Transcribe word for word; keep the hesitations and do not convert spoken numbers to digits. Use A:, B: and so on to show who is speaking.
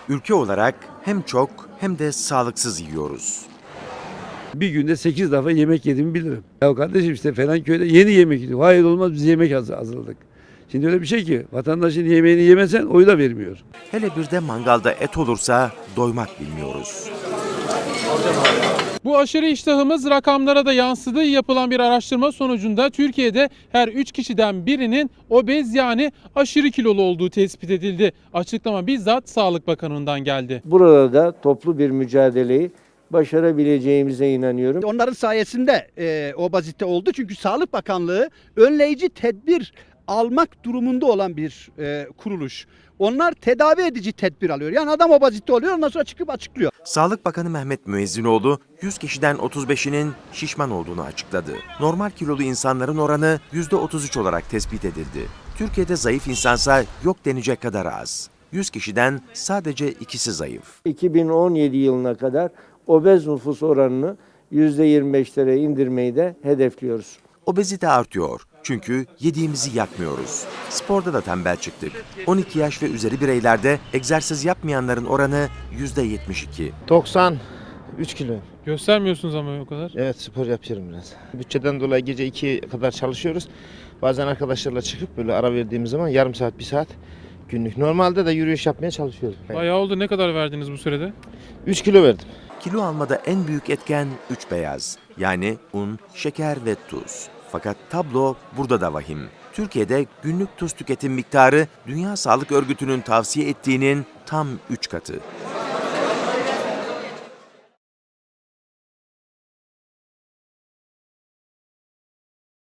A: Ülke olarak hem çok hem de sağlıksız yiyoruz.
B: Bir günde sekiz defa yemek yediğimi bilirim. Ya kardeşim işte falan köyde yeni yemek yiyor. Hayır olmaz biz yemek hazır- hazırladık. Şimdi öyle bir şey ki vatandaşın yemeğini yemesen oyu da vermiyor.
A: Hele bir de mangalda et olursa doymak bilmiyoruz.
C: Bu aşırı iştahımız rakamlara da yansıdığı yapılan bir araştırma sonucunda Türkiye'de her üç kişiden birinin obez yani aşırı kilolu olduğu tespit edildi. Açıklama bizzat Sağlık Bakanı'ndan geldi.
D: Burada da toplu bir mücadeleyi başarabileceğimize inanıyorum.
E: Onların sayesinde e, obezite oldu. Çünkü Sağlık Bakanlığı önleyici tedbir almak durumunda olan bir e, kuruluş. Onlar tedavi edici tedbir alıyor. Yani adam obezite oluyor, ondan sonra çıkıp açıklıyor.
A: Sağlık Bakanı Mehmet Müezzinoğlu yüz kişiden otuz beşinin şişman olduğunu açıkladı. Normal kilolu insanların oranı yüzde otuz üç olarak tespit edildi. Türkiye'de zayıf insansa yok denecek kadar az. yüz kişiden sadece ikisi zayıf.
D: iki bin on yedi yılına kadar obez nüfus oranını yüzde yirmi beşlere indirmeyi de hedefliyoruz.
A: Obezite artıyor çünkü yediğimizi yakmıyoruz. Sporda da tembel çıktık. on iki yaş ve üzeri bireylerde egzersiz yapmayanların oranı yüzde yetmiş iki.
F: doksan üç kilo.
C: Göstermiyorsunuz ama o kadar.
F: Evet spor yapıyorum biraz. Bütçeden dolayı gece ikiye kadar çalışıyoruz. Bazen arkadaşlarla çıkıp böyle ara verdiğimiz zaman yarım saat bir saat günlük. Normalde de yürüyüş yapmaya çalışıyoruz.
C: Bayağı oldu. Ne kadar verdiniz bu sürede?
F: üç kilo verdim.
A: Kilo almada en büyük etken üç beyaz. Yani un, şeker ve tuz. Fakat tablo burada da vahim. Türkiye'de günlük tuz tüketim miktarı Dünya Sağlık Örgütü'nün tavsiye ettiğinin tam üç katı.